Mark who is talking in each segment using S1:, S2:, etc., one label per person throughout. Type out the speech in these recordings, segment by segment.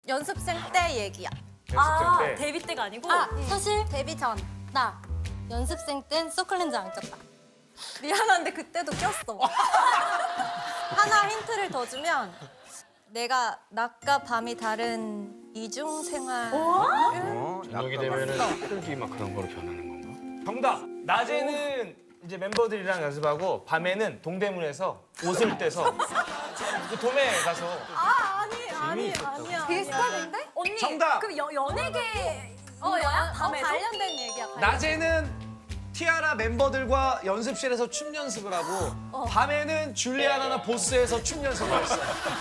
S1: 연습생 때 얘기야.
S2: 아,
S3: 때.
S2: 데뷔 때가 아니고?
S1: 사실 데뷔 전 나 연습생 땐 선클렌즈 안 꼈다. 미안한데 그때도 꼈어. 하나 힌트를 더 주면 내가 낮과 밤이 다른 이중 생활.
S4: 저녁이 되면은 혈기 막 그런 거로 변하는 건가?
S3: 정답. 낮에는 이제 멤버들이랑 연습하고 밤에는 동대문에서 옷을 떼서 그 도매에 가서
S1: 아니야. 비슷한데?
S2: 언니,
S3: 정답!
S2: 그럼 연예계 밤에도?
S1: 관련된 얘기야.
S5: 낮에는 티아라 멤버들과 연습실에서 춤 연습을 하고 밤에는 줄리아나나 보스에서 춤 연습을 했어.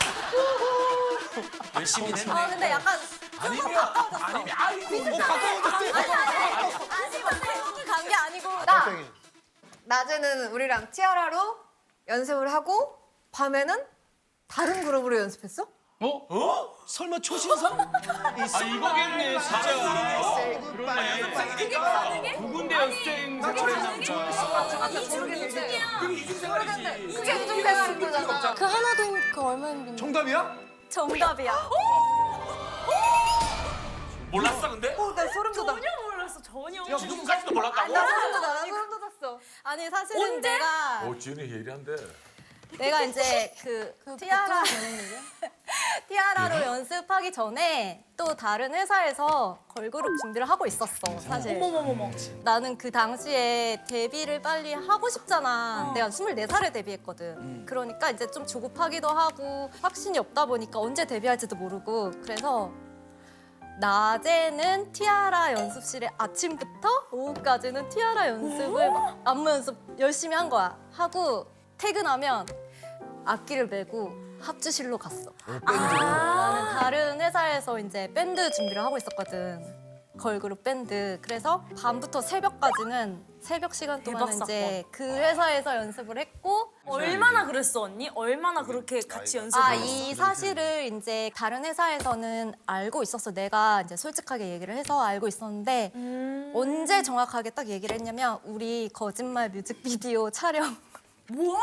S5: 열심히 했네.
S1: 근데 약간
S5: 아니면 아이고 가까워졌대.
S1: 간 게 아니고
S6: 낮에는 우리랑 티아라로 연습을 하고 밤에는 다른 그룹으로 연습했어?
S5: 설마 초신성?
S4: 아 이거겠네 진짜. 그러네. 두 군데 연습생
S6: 그게 우중생활인 거잖아.
S1: 그 하나도 그 얼마 힘든데.
S5: 정답이야?
S1: 정답이야.
S4: 몰랐어 근데?
S6: 나 소름 돋아.
S2: 전혀 몰랐어, 전혀.
S4: 지금까지도 몰랐다고?
S6: 나 소름 돋아. 나 소름 돋았어.
S1: 아니 사실은
S2: 언제?
S7: 지은이 예리한데.
S1: 내가 이제 그 티아라로 연습하기 전에 또 다른 회사에서 걸그룹 준비를 하고 있었어 사실.
S2: 어머머머머.
S1: 나는 그 당시에 데뷔를 빨리 하고 싶잖아. 내가 24살에 데뷔했거든. 그러니까 이제 좀 조급하기도 하고 확신이 없다 보니까 언제 데뷔할지도 모르고 그래서 낮에는 티아라 연습실에 아침부터 오후까지는 티아라 연습을 막 안무 연습 열심히 한 거야. 하고 퇴근하면 악기를 메고 합주실로 갔어. 나는 다른 회사에서 이제 밴드 준비를 하고 있었거든. 걸그룹 밴드. 그래서 밤부터 새벽까지는 새벽 시간 동안
S2: 대박
S1: 이제 그 회사에서 연습을 했고
S2: 얼마나 그랬어, 언니? 얼마나 그렇게 같이 연습을 했어?
S1: 이 사실을 이제 다른 회사에서는 알고 있었어. 내가 이제 솔직하게 얘기를 해서 알고 있었는데 언제 정확하게 딱 얘기를 했냐면 우리 거짓말 뮤직비디오 촬영
S2: 뭐야?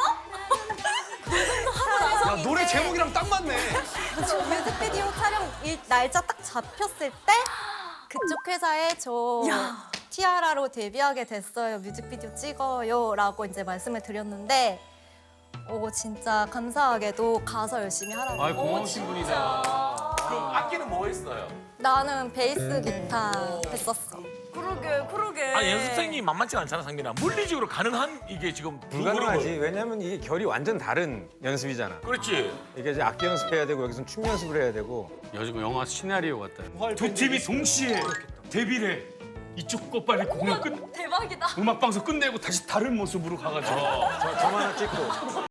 S5: 야 노래 제목이랑 딱 맞네.
S1: 뮤직비디오 촬영 날짜 딱 잡혔을 때 그쪽 회사에 저 티아라로 데뷔하게 됐어요. 뮤직비디오 찍어요. 라고 이제 말씀을 드렸는데 진짜 감사하게도 가서 열심히 하라고.
S4: 아 고마우신 분이다.
S7: 악기는 뭐 했어요?
S1: 나는 베이스 기타 했었어.
S2: 그러게.
S7: 아니 연습생이 만만치 않잖아 상민아. 물리적으로 가능한 이게 지금 두
S8: 불가능하지.
S7: 그룹을.
S8: 왜냐면 이게 결이 완전 다른 연습이잖아.
S7: 그렇지.
S8: 이게 이제 악기 연습해야 되고 여기서는 춤 연습을 해야 되고.
S4: 요즘 영화 시나리오 같다.
S3: 두
S4: 팀이 동시에 데뷔를 해. 이쪽 거 빨리 공연 끝
S2: 대박이다.
S4: 음악 방송 끝내고 다시 다른 모습으로 가가지고
S8: 저 하나 찍고.